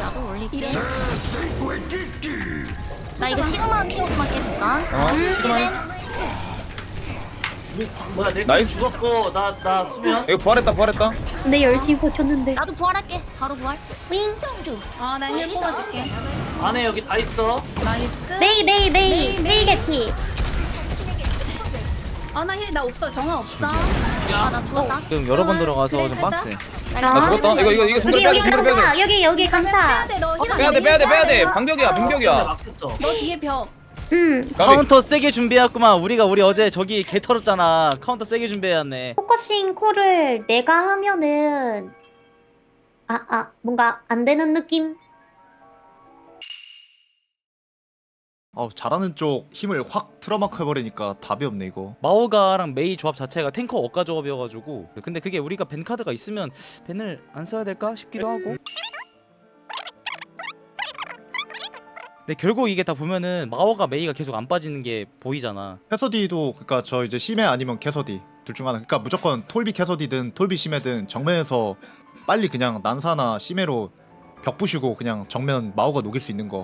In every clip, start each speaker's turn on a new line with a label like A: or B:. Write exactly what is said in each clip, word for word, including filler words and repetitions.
A: 나도 올릴게. 나 이거 시그마 키워드만 깨 잠깐.
B: 어? 시그마.
C: 뭐야 내
B: 나이스.
C: 죽었고 나 나 수면.
B: 이거 부활했다 부활했다.
D: 근데 열심히 버텼는데.
A: 나도 부활할게. 바로 부활. 윙.
E: 아나 힐 뽑아줄게.
C: 안에 여기 다 있어.
E: 나이스.
D: 메이 메이 메이 메이 개피.
E: 아나 힐 나 없어. 정화 없어.
A: 아나 죽었다.
F: 지금 여러 번 들어가서
E: 그래,
F: 좀
E: 살짝.
F: 빡세.
B: 나 죽었다. 이거 이거 이거 손들
D: 여기
B: 빼야 돼.
D: 여기
B: 손들 빼야 돼.
D: 강타. 여기 여기
E: 빼야
D: 강타.
E: 돼. 너 힐.
B: 빼야 돼 빼야 돼 빼야 돼. 방벽이야
C: 근데
B: 방벽이야.
C: 막혔어.
E: 너 뒤에 벽.
D: 음.
F: 카운터 세게 준비했구만. 우리가 우리 어제 저기 개 털었잖아. 카운터 세게 준비해왔네.
D: 포커싱 콜을 내가 하면은 아 아 뭔가 안 되는 느낌.
G: 아우 잘하는 쪽 힘을 확 틀어막혀 버리니까 답이 없네 이거.
F: 마오가랑 메이 조합 자체가 탱커 억가 조합이어가지고 근데 그게 우리가 벤 카드가 있으면 벤을 안 써야 될까 싶기도 하고. 근데 결국 이게 다 보면은 마오가 메이가 계속 안 빠지는 게 보이잖아.
G: 캐서디도 그러니까 저 이제 심해 아니면 캐서디 둘 중 하나. 그러니까 무조건 톨비 캐서디든 톨비 심해든 정면에서 빨리 그냥 난사나 심해로 벽 부시고 그냥 정면 마오가 녹일 수 있는 거.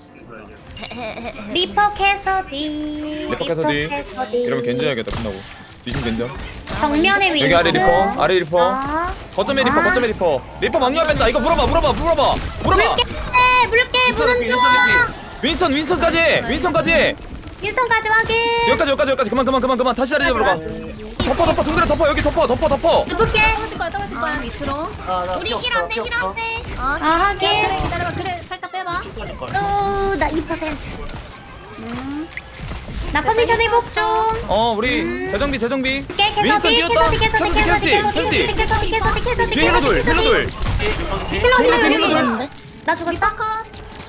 D: 리퍼 캐서디.
B: 리퍼 캐서디.
D: 캐서디.
B: 이러면 견제해야겠다 끝나고. 뒤진 견제.
D: 정면에 윈스.
B: 여기 아래 리퍼 아래 리퍼.
D: 아.
B: 거점에 리퍼 거점에 리퍼. 리퍼 막루야 뺀다. 이거 물어봐 물어봐 물어봐 물어봐.
D: 물게 물게 무는 중.
B: 윈선 윈선까지 윈선까지.
D: 윈스턴까지 확인.
B: 여기까지 여기까지 여기까지 그만 그만 그만 그만 다시 자리 잡으러 가. 덮어 덮어 동그래 덮어 여기 덮어 덮어 덮어.
D: 누를게.
E: 떨어질 거야. 떨어질 거야. 밑으로.
C: 아나
A: 우리 힐 안돼 힐 안돼.
D: 아
E: 그래
D: 하긴.
E: 기다려봐. 그래 살짝 빼봐.
D: 오나 이 퍼센트. 나 컨디션 회복 중.
B: 어 우리 재정비 재정비.
D: 깨
B: 윈선
D: 캐서디
B: 뛰었다.
D: 캐서디 캐서디 캐서디 캐서디 캐서디 캐서디 캐서디 캐서디
B: 뒤에 힐러 둘 힐러 둘.
D: 힐러 힐러
B: 힐러
D: 힐러
B: 둘.
D: 힐러. 나 죽었다.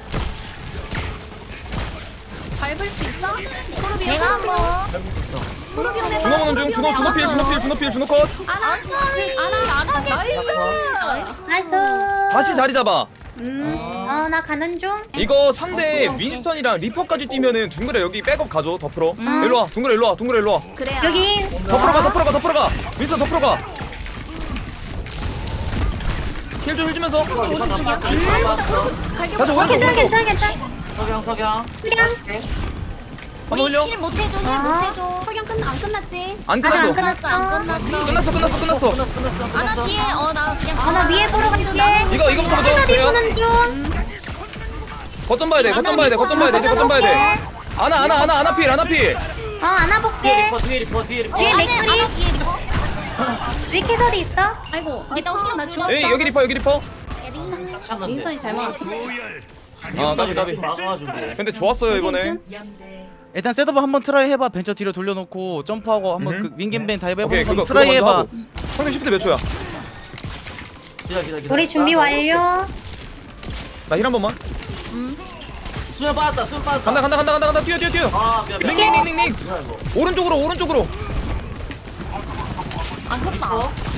E: 밟을 수 있어? 소르비
A: 내가 한번.
E: 소르비 오네.
B: 준호 보는 중 준호 준호 필 준호 필 준호 필 준호 컷.
E: 아나 아나 아나 나이스.
D: 나이스.
B: 다시 자리 잡아.
D: 음어나 가는 중.
B: 이거 상대 윈스턴이랑 리퍼까지 뛰면은 둥그레 여기 백업 가줘 덮으러.
D: 음.
B: 일로 와 둥그레 일로 와 둥그레 일로 와.
E: 그래야.
D: 여기
B: 덮으러 가 덮으러 가 덮으러 가. 윈스턴 덮으러 가. 힐 좀 해주면서. 다시
D: 어
B: 오른쪽
D: 괜찮아
B: 오른쪽.
D: 괜찮아 괜찮아.
C: 석양 석양.
D: 수량.
B: 한번 올려.
A: 힐 못해줘 힐
D: 아.
A: 못해줘.
E: 석양 끝 안 끝났지?
B: 안
D: 아직 안
B: 끝났어.
D: 끝났어.
A: 안 끝났어.
B: 끝났어 끝났어 끝났어.
A: 아나 뒤에 어나 그냥.
D: 어나 위에 보러 갈게.
B: 이거 이거부터 보자.
D: 캐서디
B: 그래요?
D: 보는 중.
B: 거점 봐야 돼 거점 봐야 돼 거점 봐야 돼 이제 거점 봐야 돼. 아나 아나 아나 아나 필 아나 필.
D: 어 안아볼게.
C: 리퍼 뒤에 리퍼 뒤에 리퍼.
D: 뒤에 맥크리.
A: 아나 뒤에 리퍼.
D: 위에 캐서디 있어?
E: 아이고
A: 일단
E: 리퍼
A: 힐러
E: 나
A: 줄여.
E: 죽었어.
B: 에이 여기 리퍼 여기 리퍼.
C: 찾는데.
E: 민선이 잘 막아.
B: 아 까비 까비.
C: 막아가지고.
B: 근데 좋았어요 이번에.
F: 일단 셋업 한번 트라이 해봐. 벤처 뒤로 돌려놓고 점프하고 한번
B: 음.
F: 그 윙겐벤 다이브
B: 오케이
F: 해보는
B: 그거
F: 거
B: 그거
F: 트라이
B: 먼저
F: 해봐.
B: 하고. 상대 시프트 몇 초야?
C: 기다 기다 기다.
D: 우리 준비 완료.
B: 나 힐 한 번만.
C: 수면 빠졌다 수면 빠졌다.
B: 간다 간다 간다 간다 간다 뛰어 뛰어 뛰어.
C: 아 미안 미안.
B: 링링링링.
C: 뭐야 이거.
B: 오른쪽으로 오른쪽으로.
A: 안 컸다.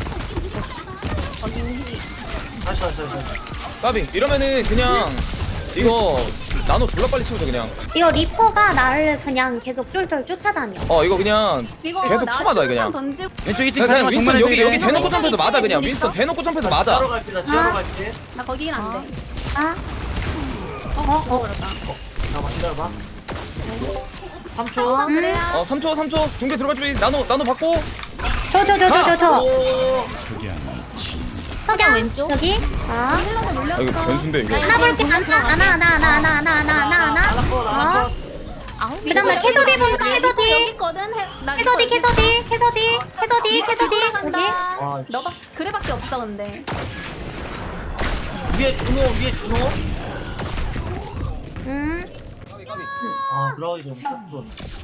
C: 다시 다시 다시.
B: 까비 이러면은 그냥 이거 나노 졸라 빨리 치우자 그냥.
D: 이거 리퍼가 나를 그냥 계속 쫄쫄 쫓아다녀.
B: 어 이거 그냥
E: 이거
B: 계속
E: 나
B: 쳐맞아,
E: 슈퍼만
B: 그냥.
E: 던지고
F: 왼쪽 이 층
B: 그냥, 그냥
F: 가지마.
B: 윈스턴
F: 정면에서
B: 여기 여기
F: 이래.
B: 대놓고 점프해서 맞아 그냥
A: 있어?
B: 윈스턴 대놓고 점프해서
C: 지하로
B: 맞아.
C: 갈게 나 지하로 갈게.
E: 나 거기는 안 돼.
D: 아. 어 어.
C: 잠깐만 기다려봐. 삼 초.
E: 어 그래야.
B: 어 삼 초 삼 초 중계 들어갈 준비. 나노 나노 받고.
D: 저 저 저 저 저 저.
C: 오.
A: 석양 왼쪽.
D: 여기. 아.
E: 힐러가
B: 아
E: 놀렸어.
B: 이거 변수인데 이거.
D: 하나 볼게. 하나 하나 하나 하나 하나 하나 하나 하나 하나. 어.
A: 아홉
D: 그다음 나 캐서디 본다.
E: 여기
D: 캐서디.
E: 있거든. 해- 나
D: 캐서디
E: 리퍼
D: 캐서디 캐서디 캐서디 캐서디. 여기.
E: 간다.
C: 와,
E: 너가 그래밖에 없어 근데.
C: 위에 준호 위에 준호.
D: 음.
C: 아 들어가기 좀 무섭어.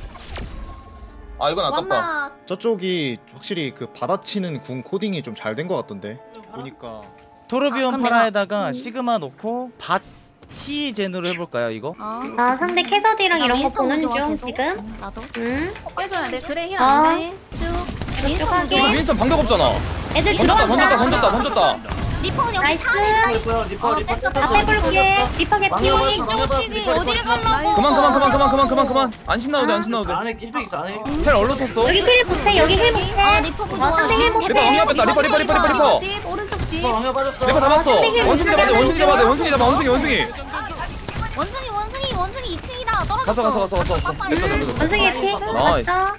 B: 아 이건 아깝다.
E: 완막.
G: 저쪽이 확실히 그 받아치는 궁 코딩이 좀 잘 된 것 같던데. 보니까
A: 아,
F: 토르비온
A: 그럼
F: 파라에다가 시그마 넣고 바티 젠으로 해볼까요 이거?
A: 어.
D: 아 상대 캐서디랑
A: 나
D: 이런 거
A: 윈스턴
D: 보는
A: 좋아,
D: 중
A: 계속.
D: 지금.
A: 나도.
D: 음.
E: 빼줘야 돼. 그래 힐
D: 어.
E: 안 돼. 쭉.
D: 이쪽
B: 이거
D: 하게.
B: 윈스턴 방벽 없잖아.
D: 애들
B: 던졌다
D: 들어간다.
B: 던졌다 던졌다 던졌다.
A: 리퍼 여기
D: 나이스.
A: 차 안에 있다.
C: 리퍼 리퍼
A: 어,
C: 리퍼
A: 뺐어,
C: 뺐어.
D: 앞에 볼게. 리퍼 개피.
A: 조식이 어디를 가려고?
B: 그만 그만 그만 그만 그만 그만 그만. 안 신나도 돼안 신나도 돼.
C: 안에 일팩 있어 안에.
B: 텔 얼로 탔어.
D: 여기 힐 못해. 여기 힐 못해.
A: 아 리퍼
D: 어
A: 부좋아.
D: 상대 힐 못해.
B: 리퍼 방벽 뺐다 리퍼 리퍼 리퍼 리퍼 리퍼.
E: 집 오른쪽 집.
C: 리퍼 방면 빠졌어.
B: 리퍼 잡았어.
D: 아, 선생님,
B: 원숭이 잡아야 돼. 원숭이 잡아야 돼. 원숭이 잡아. 원숭이 원숭이.
A: 원숭이 원숭이 원숭이 이 층이다. 떨어졌어.
B: 가서 가서 가서 가서.
A: 가서
B: 됐다 됐다 됐다.
D: 원숭이 피
F: 나이스.
D: 맞다.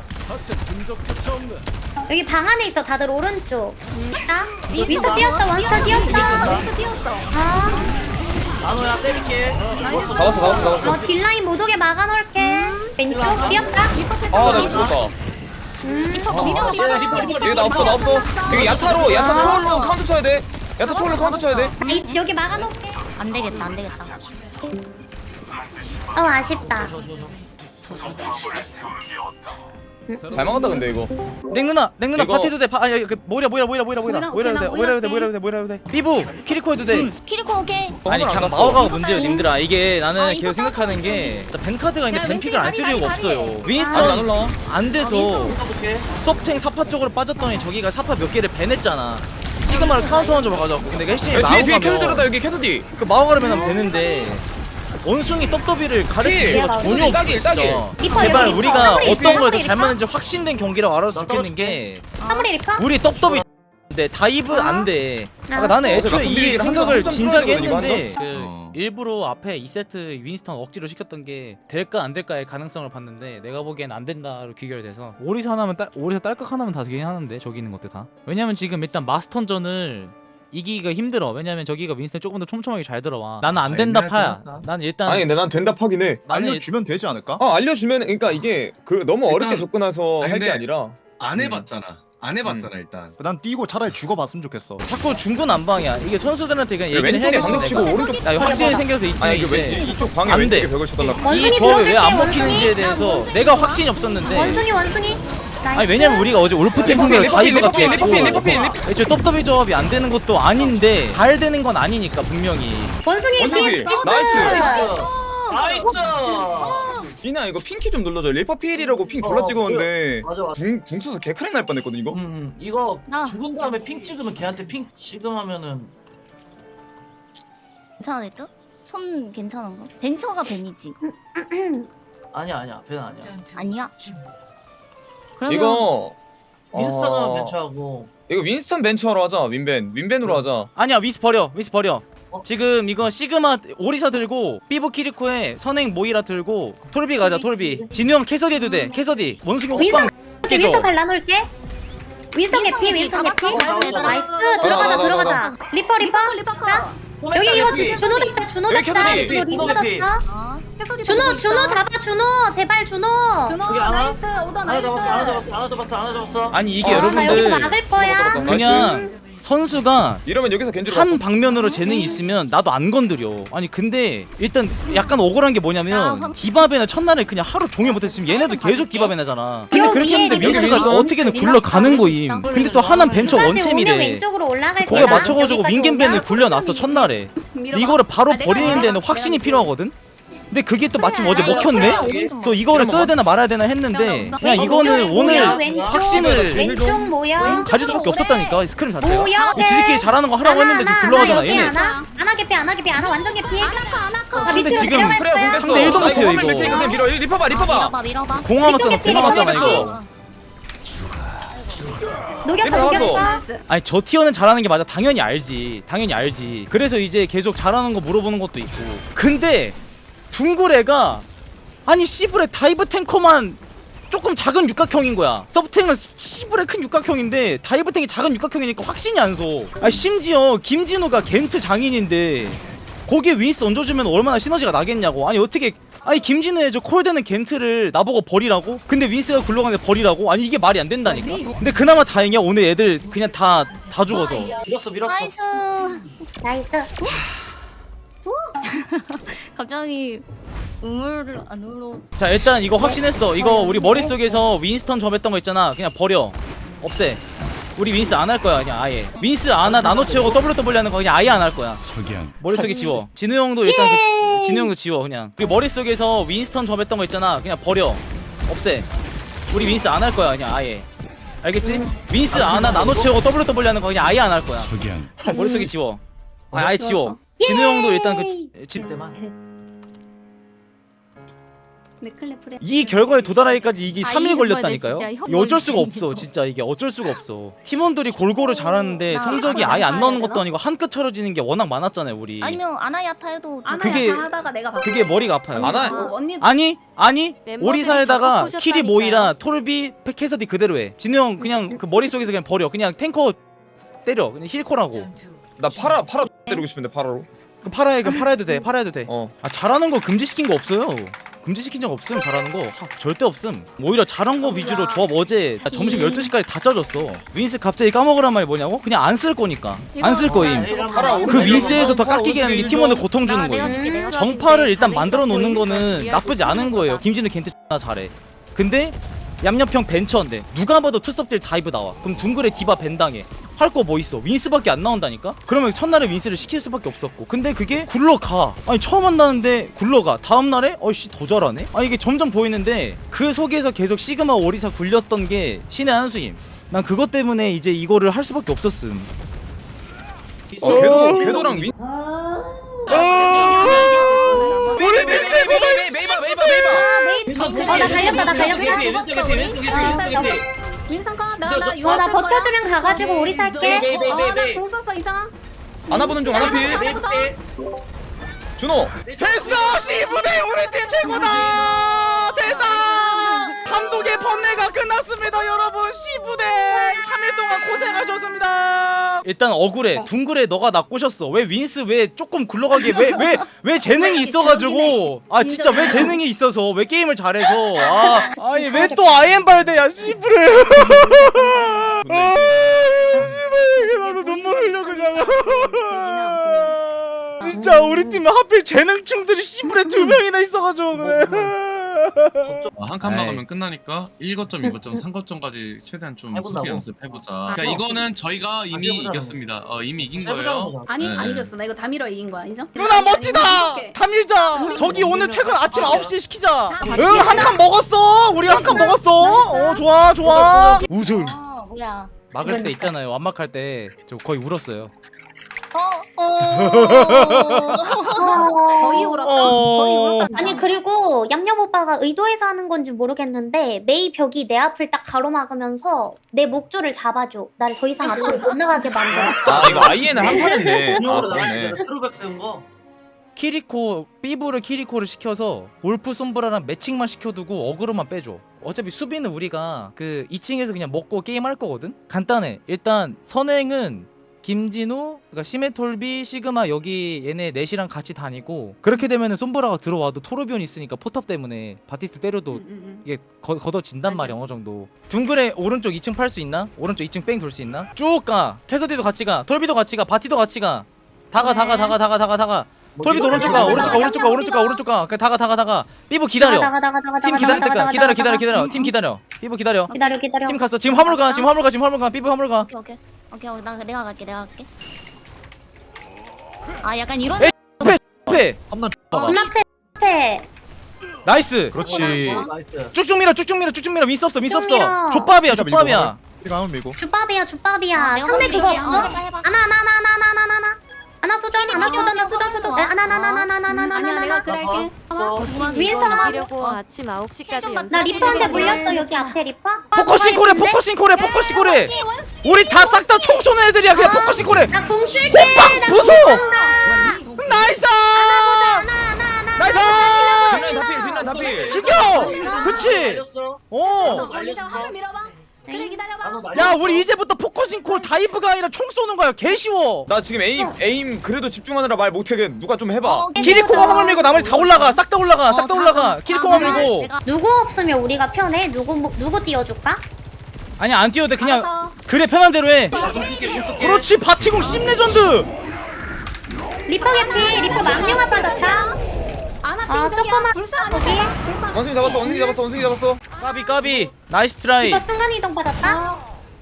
D: 여기 방 안에 있어. 다들 오른쪽. 아, 윈터 뛰었어. 윈터 뛰었어.
E: 윈스 뛰었어.
D: 아,
C: 나노야 때릴게.
E: 나이스.
B: 잡았어 잡았어 잡았어.
D: 어 딜라인 못 오게 막아놓을게. 왼쪽 뛰었다.
B: 아 나 죽었다.
A: 리퍼 미려
C: 리퍼 리퍼 리퍼.
B: 여기 나 없어 나 없어. 여기 야타로 야타 초월로 카운터 쳐야 돼. 야타 초월로 카운터 쳐야 돼.
D: 아, 이, 여기 막아놓을게.
A: 안 되겠다 안 되겠다.
D: 어 아쉽다.
B: 잘 막았다 근데 이거.
F: 랭 누나 랭 누나
B: 이거-
F: 파티도 돼. 파, 아니 그 모이라 모이라 모이라 모이라 모이라
E: 모이라,
F: 모이라 해도 돼.
E: 오케이,
F: 모이라 해도 돼.
E: 나
F: 모이라 해도 돼. 모이라 해도 돼. 모이라 해도 돼. 삐부 키리코 해도 돼.
A: 키리코 오케이.
F: 아니
B: 안
F: 그냥
B: 갔어.
F: 마오가가 문제예요 님들아. 이게 나는
A: 아, 이거
F: 계속 생각하는 게 벤카드가 있는데
E: 야,
F: 벤픽을 안 쓸
E: 왼쪽에
F: 이유가
E: 다리, 다리,
F: 없어요.
E: 다리.
B: 아니 안
F: 윈스턴
B: 올라.
F: 안 돼서
C: 오케이.
F: 섭탱 사파 쪽으로 빠졌더니 저기가 사파 몇 개를 배냈잖아. 시그마를 카운터한 적으로 가져왔고 근데 그 핵심이
B: 야, 뒤에 뒤에 캐서디
F: 마오가면
B: 들었다 여기 캐서디.
F: 그 마오가를 배면 배는데 원숭이 떡더비를 가르칠
B: 예.
F: 이유가 전혀 없어
B: 딱이,
F: 진짜.
B: 딱이.
D: 리퍼,
F: 제발
D: 리퍼,
F: 우리가
D: 리퍼,
F: 어떤
D: 리퍼,
F: 거에 더
D: 리퍼.
F: 잘 맞는지 확신된 경기라고 알아서 좋겠는 게
D: 사무리 리퍼?
F: 우리 떡더비 인데 다이브 안 돼. 아까 나는
B: 어,
F: 애초에
B: 저
F: 이
B: 근데
F: 생각을
B: 한 점
F: 진작에
B: 풀어야 되거든, 이거 한
F: 했는데
B: 점?
F: 그
B: 어.
F: 일부러 앞에 이 세트 윈스턴 억지로 시켰던 게 될까 안 될까의 가능성을 봤는데 내가 보기엔 안 된다로 귀결돼서 오리사 하나면 딸 오리사 딸깍 하나면 다 되긴 하는데 저기 있는 것들 다. 왜냐면 지금 일단 마스턴전을 이기기가 힘들어. 왜냐면 저기가 윈스턴 조금 더 촘촘하게 잘 들어와. 나는 안 된다 파야. 난 일단
B: 아니 근데 난 된다 파긴 해.
F: 나는 일-
G: 알려주면 되지 않을까?
B: 아 알려주면 그러니까 이게 그 너무
H: 일단-
B: 어렵게 접근해서
H: 아니,
B: 할 게
H: 근데-
B: 아니라.
H: 안 해봤잖아. 안 해봤잖아 일단.
G: 난 뛰고 차라리 죽어봤으면 좋겠어.
F: 자꾸 중구난방이야. 이게 선수들한테 그냥 얘기를
B: 왼쪽에
F: 해야겠어.
B: 방금 치고
F: 내가.
B: 오른쪽.
F: 야, 이거 확신이 생겨서 이 팀에
B: 아니 이게 왼
F: 이제
B: 이쪽 방에
F: 안
B: 왼쪽에
F: 돼.
B: 벽을 쳐달라.
F: 이
D: 원숭이
F: 조합이 왜 안
D: 들어줄게,
F: 먹히는지에
D: 원숭이.
F: 대해서
A: 원숭이
F: 내가
A: 좋아?
F: 확신이 없었는데
D: 원숭이 원숭이. 나이스.
F: 아니 왜냐면 우리가 어제 올프팀 상대로
B: 리퍼필,
F: 다이브가
B: 리퍼필,
F: 됐고
B: 리퍼필, 리퍼필, 리퍼필.
F: 애초에 떡더비 조합이 안 되는 것도 아닌데 잘 되는 건 아니니까 분명히.
D: 원숭이
B: 원숭이.
D: 피
B: 나이스.
C: 나이스.
B: 진아 이거 핑키 좀 눌러줘. 리퍼필이라고 핑 졸라
C: 어,
B: 찍었는데
C: 맞아 맞아.
B: 붕, 붕 써서 개크랙 날 뻔했거든 이거.
C: 음 이거
A: 나.
C: 죽은 다음에 핑 찍으면 걔한테 핑 찍으면은
A: 괜찮을 듯? 손 괜찮은 거? 벤처가 벤이지.
C: 아니야 아니야 배는 아니야.
A: 아니야. 그러면
B: 이거
C: 윈스턴은
B: 어,
C: 벤처하고
B: 이거 윈스턴 벤처로 하자. 윈벤 윈벤으로 하자.
F: 아니야 위스 버려 위스 버려.
C: 어?
F: 지금 이거 시그마 오리사 들고 삐부 키리코에 선행 모이라 들고 톨비 가자 톨비. 진우 형 캐서디 해도 돼 캐서디. 원숭이
D: 윈선
F: 호빵 깨줘.
D: 윈선 발라놓을게. 윈선 개피 윈선 개피.
A: 잡았어.
D: 나이스.
C: 나,
D: 들어가자
B: 나, 나,
D: 들어가자.
B: 나,
D: 리퍼 리퍼.
E: 리퍼
D: 자, 여기 이거 주, 준호 잡자 준호
B: 여기
D: 잡자.
B: 캐서디.
D: 준호 리퍼
C: 캐서디.
D: 잡자.
A: 어.
E: 캐서디
D: 준호
E: 들고
D: 준호
E: 있어.
D: 잡아 준호 제발 준호.
E: 준호
C: 여기 하나?
E: 나이스 오더
C: 하나 잡았어 하나
E: 나이스.
C: 잡았어 하나 잡았어 하나 잡았어.
F: 아니 이게
D: 어, 나 여기서
F: 여러분들
D: 막을 거야.
F: 그냥 선수가
B: 이러면 여기서 겐지로
F: 한 방면으로 재능이 있으면 나도 안 건드려. 아니 근데 일단 약간 억울한 게
A: 아,
F: 뭐냐면
A: 황-
F: 디바베나 첫날에 그냥 하루 종일 못했으면 얘네도 계속 디바베나잖아. 근데
D: 여
F: 그렇게
D: 위에
F: 했는데
D: 여기
F: 윈스가
B: 여기서
F: 어떻게든
A: 여기서
F: 굴러가는
A: 여기서
F: 거임.
A: 여기서
F: 근데 또 하나는 벤처
D: 다시 오면
F: 원챔이래.
D: 왼쪽으로 올라갈
F: 거기에
D: 거야.
F: 맞춰가지고
D: 여기까지
F: 윙겐벤을
D: 오면.
F: 굴려놨어 첫날에.
E: 밀어봐.
F: 이거를 바로
E: 아, 내가
F: 버리는
E: 내가
F: 데는
E: 내가
F: 확신이
E: 내가
F: 필요하거든? 근데 그게 또 마침 어제
D: 그래,
F: 먹혔네?
D: 그래,
A: 오른 좀
F: 그래서 이거를 써야 되나 말아야 되나 했는데
E: 없어?
F: 그냥
D: 왼쪽
F: 이거는
D: 모여,
F: 오늘
D: 왼쪽,
F: 확신을
D: 왼쪽 모여.
F: 가질 수밖에 없었다니까 이 스크림 자체가.
D: 뭐야?
F: 이 지들끼리 잘하는 거 하라고 했는데 지금 굴러가잖아 얘네.
D: 안하 안하 개피 안하 개피 안하 완전 개피.
E: 아나카 아나카.
D: 아,
F: 근데
D: 밑으로
F: 지금
D: 들어갈
B: 그래
D: 거야.
B: 공겠어.
F: 상대 일도 못해요, 이거.
B: 그냥 밀어. 리퍼봐 리퍼봐.
A: 밀어봐 밀어봐.
F: 공화 맞잖아
D: 이쪽에
F: 공화 맞잖아
D: 피해,
F: 이거.
D: 녹였어
B: 리퍼
D: 녹였어.
E: 나이스.
F: 아니 저 티어는 잘하는 게 맞아. 당연히 알지 당연히 알지. 그래서 이제 계속 잘하는 거 물어보는 것도 있고. 근데 둥그레가 아니 씨브레 다이브 탱커만 조금 작은 육각형인 거야. 서브탱은 씨브레 큰 육각형인데 다이브 탱이 작은 육각형이니까 확신이 안 서. 아 심지어 김진우가 겐트 장인인데 거기에 윈스 얹어주면 얼마나 시너지가 나겠냐고. 아니 어떻게 아니 김진우의 저 콜되는 겐트를 나보고 버리라고? 근데 윈스가 굴러가는데 버리라고? 아니 이게 말이 안 된다니까. 근데 그나마 다행이야 오늘 애들 그냥 다 다 죽어서.
C: 밀었어 밀었어.
A: 나이스.
D: 나이스.
A: 갑자기 우물 안으로.
F: 자 일단 이거 확신했어. 이거 우리 머릿속에서 윈스턴 점했던 거 있잖아. 그냥 버려. 없애. 우리 윈스 안 할 거야 그냥 아예. 윈스 안하 나노 채우고 더블유 더블유 하는 거 그냥 아예 안 할 거야. 머릿속에 지워. 진우 형도 일단 그 지- 진우 형도 지워 그냥. 우리 머릿속에서 윈스턴 점했던 거 있잖아. 그냥 버려. 없애. 우리 윈스 안 할 거야 그냥 아예. 알겠지? 윈스 안하 나노 채우고 더블유 더블유 하는 거 그냥 아예 안 할 거야. 머릿속에 지워. 아, 아예 지워. 진우 형도 일단 그 지- 지-
C: 때만.
E: 네클리프레.
F: 이 결과에 도달하기까지 이게
A: 아,
F: 삼 일
A: 이게
F: 걸렸다니까요.
A: 정말 진짜
F: 이게 어쩔 수가
A: 혐오이지.
F: 없어. 진짜 이게 어쩔 수가 없어. 팀원들이 골고루 잘하는데
A: 나
F: 성적이
A: 아나
F: 아예 안
A: 야타
F: 나오는
A: 해야
F: 것도
A: 되나?
F: 아니고 한 끗 차려지는 게 워낙 많았잖아요, 우리.
A: 아니면 아나야타 해도
E: 아나
F: 그게-
E: 약간 하다가 내가 봤어.
F: 그게 머리가 아파요.
B: 아나-
E: 어, 언니
F: 아니 아니
A: 멤버들이
F: 오리사에다가
A: 다
F: 키리
A: 바꾸셨다니까요.
F: 모이라 톨비 캐서디 그대로 해. 진우 형 그냥 그 머릿속에서 그냥 버려. 그냥 탱커 때려. 그냥 힐코라고.
B: 나 파라 파라 때리고 싶은데 파라로.
F: 그 팔아야 그 팔아야 돼. 팔아야 돼.
B: 어.
F: 아 잘하는 거 금지시킨 거 없어요. 금지시킨 적 없음. 잘하는 거 하, 절대 없음. 오히려 잘한 거 위주로 조합 어제 나 점심 열두 시까지 다 짜줬어. 윈스 갑자기 까먹으란 말이 뭐냐고? 그냥 안 쓸 거니까. 안 쓸 거임.
B: 파라 오른
F: 그 윈스에서 더 깎이게 하는 게 팀원을 고통 주는
A: 나 내가
F: 거예요.
A: 줄게, 내가
F: 정파를
A: 줄게.
F: 일단
A: 가능성
F: 만들어 놓는
A: 보이니까
F: 거는
A: 이해할
F: 나쁘지
A: 수
F: 않은
A: 있는
F: 거예요.
A: 거다.
F: 김진우 겐트 X나 잘해. 근데 얌얌평 벤처인데 누가 봐도 투섭딜 다이브 나와. 그럼 둥글에 디바 벤당해. 할 거 뭐 있어? 윈스밖에 안 나온다니까? 그러면 첫날에 윈스를 시킬 수밖에 없었고, 근데 그게 굴러가. 아니 처음 만나는데 굴러가. 다음날에 어이씨 더 잘하네? 아 이게 점점 보이는데 그 속에서 계속 시그마 오리사 굴렸던 게 신의 한 수임. 난 그것 때문에 이제 이거를 할 수밖에 없었음.
B: 어 궤도 궤도랑 윈.
F: 우리 팀 최고다.
B: 메이바 메이바 메이바.
D: 어, 나 달렸다, 나 달렸다.
E: 윈선 가.
D: 어,
E: 나나
D: 어, 나 버텨주면 가가지고 오리 살게.
E: 어나공 썼어 이상아.
B: 아나 보는 중 아나 필. 준호.
F: 됐어! 시부대 우리 팀 최고다! 됐다! 감독의 번뇌가 끝났습니다 여러분. 시부대 삼 일 동안 고생하셨습니다. 일단 억울해. 둥글에 너가 나 꼬셨어. 왜 윈스 왜 조금 굴러가게 왜 왜 왜 재능이 있어가지고 아 진짜 왜 재능이 있어서 왜 게임을 잘해서 아 아니 왜 또 아이엠발대야 시부레. 아 씨발 나도 눈물 흘려 그냥. 진짜 우리 팀에 하필 재능충들이 씨부레 두 명이나 있어가지고 그래.
H: 아, 한 칸
F: 에이.
H: 막으면 끝나니까 일 거점, 이 거점, 삼 거점까지 최대한 좀
C: 해본다고?
H: 수비 연습해보자. 그러니까 이거는 저희가 이미
C: 해보자고.
H: 이겼습니다. 어, 이미 이긴
C: 해보자고
H: 거예요.
C: 보자.
E: 아니
H: 네.
E: 안 이겼어. 나 이거 다 밀어 이긴 거야 인정?
F: 누나 멋지다.
E: 이렇게.
F: 다 밀자. 저기 오늘 퇴근 아침 아홉 시에 시키자.
E: 다
F: 응 한 칸 먹었어. 우리가 한 칸 먹었어. 어 좋아 좋아. 우승.
A: 어 뭐야
F: 막을 때 있잖아요. 완막할 때 저 거의 울었어요.
A: 어어
E: 거의 울었다.
F: 어.
E: 거의 울었다.
D: 아니 그리고 얌얌 오빠가 의도해서 하는 건지 모르겠는데 메이 벽이 내 앞을 딱 가로막으면서 내 목줄을 잡아줘. 나를 더 이상 앞으로 못 나가게 만들어.
B: 아 이거 아이엔은 한 판인데. 아
C: 분명으로 나가지.
B: 그러네.
C: 내가 스루백 세운 거.
F: 키리코 삐부를 키리코를 시켜서 울프 솜브라랑 매칭만 시켜두고 어그로만 빼줘. 어차피 수비는 우리가 그 이 층에서 그냥 먹고 게임할 거거든. 간단해. 일단 선행은 김진우, 그러니까 시메톨비, 시그마 여기 얘네 넷이랑 같이 다니고 그렇게 되면은 솜브라가 들어와도 토르비온 있으니까 포탑 때문에 바티스트 때려도
E: 응, 응, 응.
F: 이게 거, 걷어진단
E: 맞아.
F: 말이야 어느 정도. 둥글에 오른쪽 이 층 팔 수 있나? 오른쪽 이 층 뺑 돌 수 있나? 쭉 가. 캐서디도 같이 가. 톨비도 같이 가. 바티도 같이 가. 다가 다가 다가 다가 다가 다가. 톨비도 오른쪽 가. 오른쪽 가. 오른쪽 가. 오른쪽 가. 오른쪽 가. 그냥 다가 다가 다가. 삐부 기다려.
D: 다가 다가 다가
F: 팀
D: 다가
F: 기다릴
D: 다가
F: 때까지
D: 다가
F: 기다려
D: 다가
F: 기다려
D: 다가.
F: 기다려. 팀 기다려. 삐부 기다려.
D: 기다려 기다려.
F: 팀 갔어. 지금 화물 가. 지금 화물 가. 지금 화물 가. 지금 화물 가. 삐부 화물 가.
A: 오케이 오케이 오케이 오케이 나 내가 갈게 내가 갈게 아 약간 이런
F: 에, 앞에.
G: 한번
D: 어, 문 앞에 앞에.
F: 나이스.
G: 그렇지.
C: 어, 나이스.
F: 쭉쭉 밀어. 쭉쭉 밀어. 쭉쭉 밀어. 윈스 없어. 윈스
D: 쭉
F: 없어.
D: 밀어.
F: 족밥이야.
G: 밀고,
F: 족밥이야.
G: 이거 한번 밀고.
D: 주밥이야 주밥이야.
A: 내가
D: 상대
A: 갈게.
D: 그거
A: 해봐,
D: 어?
A: 해봐, 해봐.
D: 아나 아나 아나 아나 아나 아나 아나 아나 수전 아나 수전 아나 수전 수전 아나 아나 아나 아나 아나 아나
E: 아니야 내가
D: 아나
E: 그래 할게.
C: 어,
D: 윈스턴
A: 하려고 아침 아홉 시까지 연습
D: 나 리퍼한테 물렸어 여기 앞에 리퍼.
F: 포커싱 코레. 포커싱 코레. 포커싱 코레. 우리 다 싹 다 총 쏘는 애들이야. 그냥 포커싱 코레.
D: 나궁 쓸게.
F: 호박 부숴. 나이스. 나이스.
B: 뒷라인 다 필, 뒷라인 다 필.
F: 죽여. 그치.
C: 날렸어.
F: 어.
E: 걸리자 화면 밀어봐. 그래 기다려봐.
C: 나도
F: 야
C: 날렸어.
F: 우리 이제부터 포커싱 콜 다이브가 아니라 총 쏘는 거야. 개 쉬워.
B: 나 지금 에임 에임 그래도 집중하느라 말 못해. 누가 좀 해봐.
F: 키리코가 화물 밀고 나머지 다 올라가. 싹 다 올라가. 싹 다 올라가. 키리코가 밀고.
D: 누구 없으면 우리가 편해? 누구 뭐- 누구 띄워줄까?
F: 아니 안 뛰어도 돼. 그냥
E: 알았어.
F: 그래 편한 대로 해. 그렇지. 바티공 십 레전드.
D: 리퍼 개피 리퍼 망령아 빠졌다.
E: 아나
D: 아,
E: 빙정이야.
D: 조금만
E: 불쌍하지.
D: 거기.
E: 불쌍.
B: 원숭이 잡았어. 원숭이 잡았어. 원숭이 잡았어.
F: 까비 까비. 나이스 트라이.
D: 리퍼 순간 이동 받았다.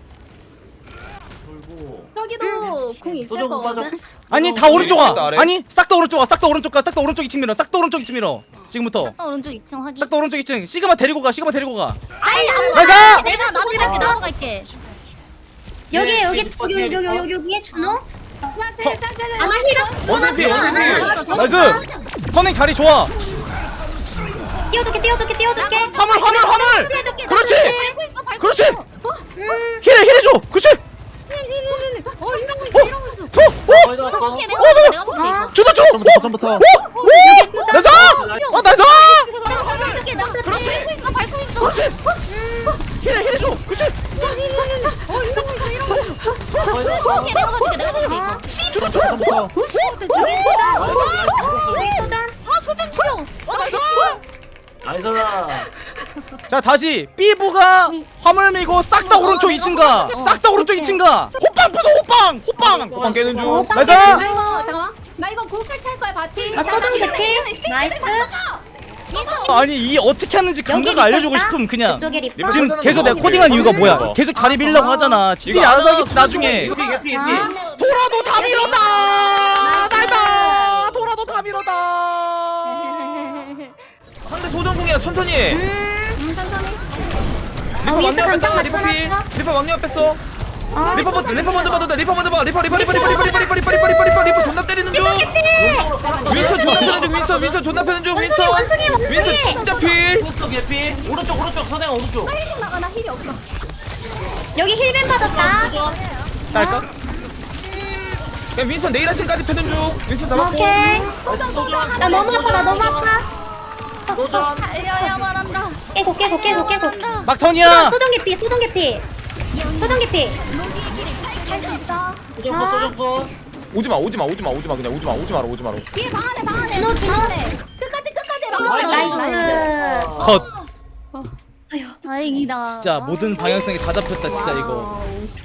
C: 돌고.
E: 저기도 궁 있을
C: 소정
E: 거거든.
C: 빠져.
F: 아니 다 오른쪽 와.
B: 아래.
F: 아니 싹 다 오른쪽 와. 싹 다 오른쪽 가. 싹 다 오른쪽 이 층 밀어. 싹 다 오른쪽 이 층 밀어. 지금부터.
A: 딱 오른쪽 이 층 확인
F: 싹 다 오른쪽 이 층. 시그마 데리고 가. 시그마 데리고 가.
A: 아니
F: 나이스.
A: 내가 나도 갈게 나도 갈게
D: 여기 여기
C: 네,
D: 여기 여기 여기 여기 여기에 준호.
E: 야 쟤쟤쟤.
D: 아나 힐.
B: 원숭이 필, 원숭이 필.
F: 나이스. 선행 자리 좋아.
D: 뛰어 띄워줄게 띄워줄게 띄워줄게.
F: 화물 화물 화물.
D: 해줄게.
F: 그렇지.
A: 밟고 있어 밟고
F: 그렇지.
A: 있어.
D: 음.
F: 힐해 힐해줘. 그렇지.
A: 어 이러고 있어 이러고 있어.
F: 더. 오.
C: 거의 다 왔어.
A: 오케이 내가 볼게 내가 볼게 이거.
F: 주도 줘.
G: 점부터
F: 오.
G: 점부터.
F: 오.
D: 여기 수정.
F: 나이스. 어 나이스.
A: 이렇게 나 밟고 있어 밟고 있어.
F: 그렇지. 힐해 힐해줘. 그렇지.
A: 어 이러고 있어 이러고 있어.
C: 거의 다 왔어.
A: 오케이 내가 봐줄게 내가 봐줄게 이거.
G: 점부터 점부터.
D: 여기 수정.
A: 아 소전 죽여.
C: 나이스다.
F: 자 다시 삐부가 화물 밀고 싹 다
A: 어,
F: 오른쪽
A: 내가
F: 이 층 가.
A: 볼게.
F: 싹 다 오른쪽 이 층 가. 호빵 부숴 호빵. 호빵.
B: 호빵 깨는 중.
D: 오,
F: 나이스.
E: 나 이거 잠깐만. 나 이거 공 설치할 거야 바티.
D: 아 수정 대피. 나이스.
F: 아니 이 어떻게 하는지 감각
D: 여기
F: 알려주고
D: 리퍼
F: 싶음 그냥.
D: 이쪽에 리퍼.
B: 리퍼
F: 지금
B: 찾아놓은
F: 계속
B: 거
F: 내가 코딩한
B: 봐.
F: 이유가 뭐야?
B: 어.
F: 계속 자리 밀려고 하잖아. 지들이
B: 이거
F: 알아서
B: 안
F: 하겠지 나중에.
C: 개피 개피 개피.
D: 아.
F: 돌아도 다 밀었다. 나이다. 돌아도 다 밀었다.
B: 상대 소전공이야 천천히 해.
D: 음.
B: 리퍼
D: 어, 위에서
B: 왕년
D: 감정
B: 뺐다 리퍼 피
D: 맞춰놨어.
B: 리퍼 왕년 뺐어.
D: 아,
B: 리퍼 먼저 리퍼 먼저 봐도 돼. 리퍼 먼저 봐. 리퍼 리퍼 리퍼 리퍼 리퍼 리퍼 리퍼 리퍼 리퍼 리퍼 리퍼 존나 때리는 중. 윈선 존나 패는 중. 윈선 윈선 존나 패는 중. 윈선
D: 원숭이, 원숭이.
B: 윈선 진짜 필.
C: 오른쪽 개피. 오른쪽 오른쪽 선행 오른쪽.
E: 힐 나가 나 힐이 없어.
D: 여기 힐벤 받았다.
F: 딸까?
B: 그냥 윈선 내일 아침까지 패는 중. 윈선 잡았고.
D: 오케이.
C: 나이스 소전.
D: 나 너무 아파 나 너무 아파.
C: 소전.
A: 달려야 말한다.
D: 깨고 깨고 깨고 깨고.
F: 막턴이야.
D: 소정 개피 소정 개피. 소정 개피.
A: 할 수 있어.
C: 소전 거 소전 거.
B: 오지마 오지마 오지마 오지마 그냥 오지마 오지마로 오지마로.
E: 위에 방 안에 방 안에.
D: 준호 준호.
E: 끝까지 끝까지 막.
D: 나이스.
F: 컷.
A: 다행이다.
F: 진짜 모든 방향성이 다 잡혔다 진짜 이거.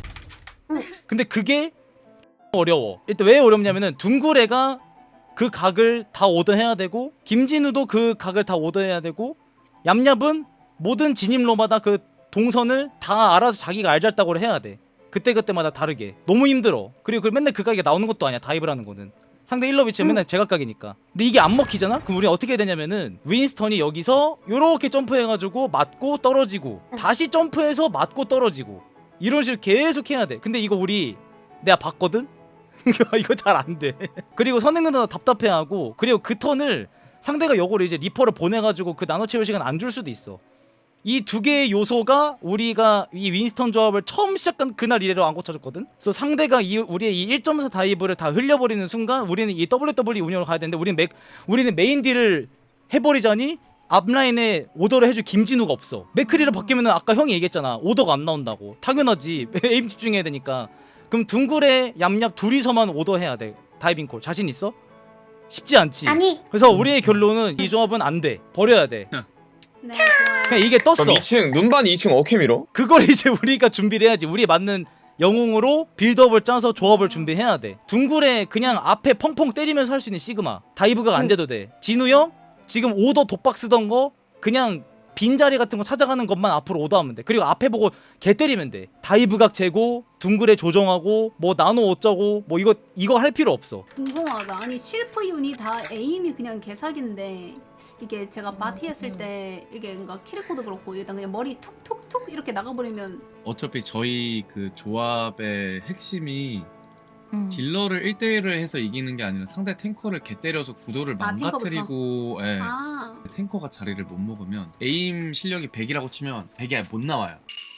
F: 근데 그게 어려워. 일단 왜 어렵냐면은 둥구레가 그 각을 다 오더해야 되고 김진우도 그 각을 다 오더해야 되고 얌얌은 모든 진입로마다 그 동선을 다 알아서 자기가 알잘딱으로 해야 돼. 그때그때마다 다르게. 너무 힘들어. 그리고 그 맨날 그 각이 나오는 것도 아니야. 다이브라는 거는. 상대 힐러 위치는 맨날 제각각이니까. 근데 이게 안 먹히잖아? 그럼 우리 어떻게 해야 되냐면은 윈스턴이 여기서 요렇게 점프해가지고 맞고 떨어지고 다시 점프해서 맞고 떨어지고 이런 식으로 계속 해야 돼. 근데 이거 우리 내가 봤거든? 이거 잘 안 돼. 그리고 선행 누나 답답해하고 그리고 그 턴을 상대가 요거를 이제 리퍼를 보내가지고 그 나노 채울 시간 안 줄 수도 있어. 이 두 개의 요소가 우리가 이 윈스턴 조합을 처음 시작한 그날 이래로 안 고쳐졌거든. 그래서 상대가 이 우리의 이 일 점 사 다이브를 다 흘려버리는 순간 우리는 이 더블유 더블유 이 운영으로 가야 되는데 우리는 맥 우리는 메인 딜을 해버리자니 앞라인에 오더를 해줄 김진우가 없어. 맥크리를 바뀌면은 아까 형이 얘기했잖아. 오더가 안 나온다고. 당연하지. 에임 집중해야 되니까. 그럼 둥글에 얌얌 둘이서만 오더해야 돼. 다이빙 콜 자신 있어? 쉽지 않지.
D: 아니.
F: 그래서 우리의 결론은 이 조합은 안 돼. 버려야 돼.
E: 네.
F: 그냥 이게 떴어.
B: 그럼 이 층 눈반 이 층 어케 밀어?
F: 그걸 이제 우리가 준비를 해야지. 우리에 맞는 영웅으로 빌드업을 짜서 조합을 준비해야 돼. 둥글에 그냥 앞에 펑펑 때리면서 할 수 있는 시그마 다이브가 안 돼도 돼. 진우 형 지금 오더 독박 쓰던 거 그냥 빈자리 같은 거 찾아가는 것만 앞으로 오더하면 돼. 그리고 앞에 보고 개 때리면 돼. 다이브각 재고 둥글에 조정하고 뭐 나노 어쩌고 뭐 이거 이거 할 필요 없어.
E: 궁금하다. 아니 실프 윤이 다 에임이 그냥 개사기인데 이게 제가 마티 했을 때 이게 뭔가 키리코도 그렇고 일단 그냥 머리 툭툭툭 이렇게 나가버리면
H: 어차피 저희 그 조합의 핵심이
A: 음.
H: 딜러를 일 대일을 해서 이기는 게 아니라 상대 탱커를 개 때려서 구도를
E: 아,
H: 망가뜨리고 예.
E: 아
H: 탱커가 자리를 못 먹으면 에임 실력이 백이라고 치면 백이 못 나와요.